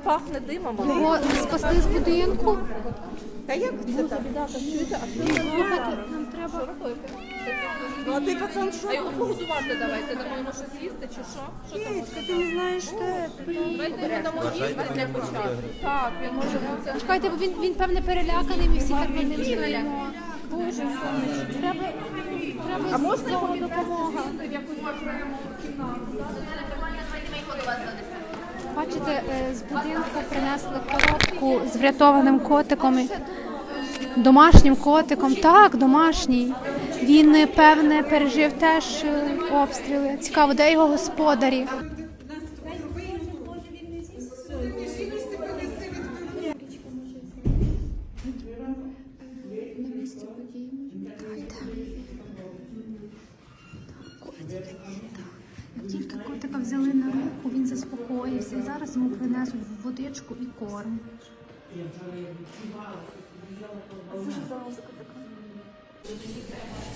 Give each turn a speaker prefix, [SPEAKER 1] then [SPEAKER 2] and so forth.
[SPEAKER 1] пахне димом.
[SPEAKER 2] Його спасли з будинку.
[SPEAKER 3] Та як це так?
[SPEAKER 2] Слухайте, нам треба...
[SPEAKER 3] Ну а ти, пацан, що?
[SPEAKER 1] А його погодувати давайте, дамо йому щось їсти чи що? Що там?
[SPEAKER 3] Кицька, ти не знаєш те.
[SPEAKER 1] Давайте йому дамо їсти для початку. Так, він може бути.
[SPEAKER 2] Чекайте, бо він певне переляканий, ми всі так над ним стоїмо. Боже, сонечко, треба
[SPEAKER 1] А можна йому
[SPEAKER 2] допомога.
[SPEAKER 1] в якусь окрему кімнату?
[SPEAKER 2] Бачите, з будинку принесли коробку з врятованим котиком. Домашнім котиком. Так, домашній. Він, певне, пережив теж обстріли. Цікаво, де його господарі? Як тільки котика взяли на руку, він заспокоївся. І зараз йому принесуть водичку і корм.
[SPEAKER 3] Це ж за музика така.